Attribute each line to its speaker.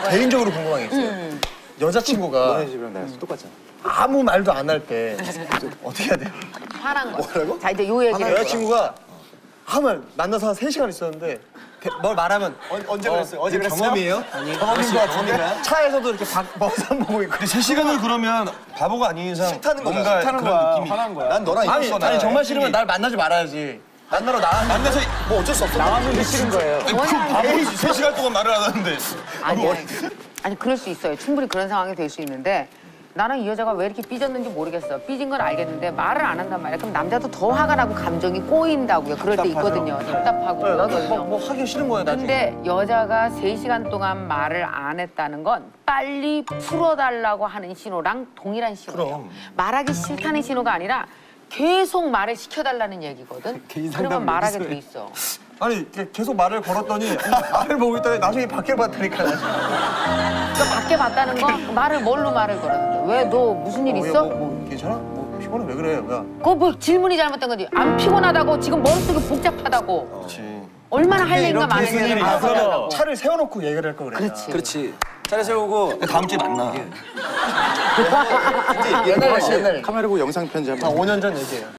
Speaker 1: 개인적으로 궁금한 게 있어요. 여자친구가
Speaker 2: 너네 집이랑 나랑 똑같잖아.
Speaker 1: 아무 말도 안 할 때 어떻게 해야 돼요?
Speaker 3: 화난 거.
Speaker 2: 뭐라고?
Speaker 3: 자 이제 요 얘기를.
Speaker 1: 여자친구가 아무 말 만나서 한 3시간 있었는데 뭘 말하면
Speaker 2: 언제 그랬어요? 어제 그랬어요?
Speaker 1: 경험이에요?
Speaker 2: 경험인 것 같은데?
Speaker 1: 차에서도 이렇게 머리산 보고 있고
Speaker 4: 3시간을 그러면 바보가 아닌 이상
Speaker 2: 싫다는 거야.
Speaker 4: 뭔가
Speaker 2: 싫다는
Speaker 4: 그런
Speaker 2: 거야.
Speaker 4: 느낌이
Speaker 2: 화난 거야. 난 너랑
Speaker 1: 아니,
Speaker 2: 있었어.
Speaker 1: 아니 정말 싫으면 날 만나지 말아야지. 만나러
Speaker 4: 만나서
Speaker 2: 뭐 어쩔 수 없어. 나왔는데 싫은 거예요.
Speaker 4: 그 바보지 3시간 동안 말을 안 하는데
Speaker 3: 아니 그럴 수 있어요. 충분히 그런 상황이 될 수 있는데 나는 이 여자가 왜 이렇게 삐졌는지 모르겠어. 삐진 건 알겠는데 말을 안 한단 말이야. 그럼 남자도 더 화가 나고 감정이 꼬인다고요. 그럴 때 있거든요. 답답하고 너도
Speaker 1: 뭐 하기 싫은 거예요 나중에.
Speaker 3: 근데 여자가 3시간 동안 말을 안 했다는 건 빨리 풀어달라고 하는 신호랑 동일한 신호예요. 말하기 싫다는 신호가 아니라 계속 말을 시켜달라는 얘기거든. 그러면 말하게 돼 있어.
Speaker 1: 아니 계속 말을 걸었더니 말을 보고 있더니 나중에 밖에 봤다니까.
Speaker 3: 그러니까 밖에 봤다는 건 말을 뭘로 말을 걸었는데 왜 너 무슨 일 있어?
Speaker 1: 뭐 괜찮아? 뭐 피곤해 왜 그래? 뭐야?
Speaker 3: 그거 뭐 질문이 잘못된 거지. 안 피곤하다고 지금 머릿속이 복잡하다고.
Speaker 4: 그렇지.
Speaker 3: 얼마나 할 얘기가 많은지.
Speaker 1: 그러면 차를 세워놓고 얘기를 할 걸 그랬나?
Speaker 3: 그렇지.
Speaker 2: 그렇지. 차례 세우고
Speaker 4: 다음 주에 만나.
Speaker 1: 옛날에
Speaker 2: 카메라 보고 영상 편지 한번.
Speaker 1: 5년 전 얘기예요.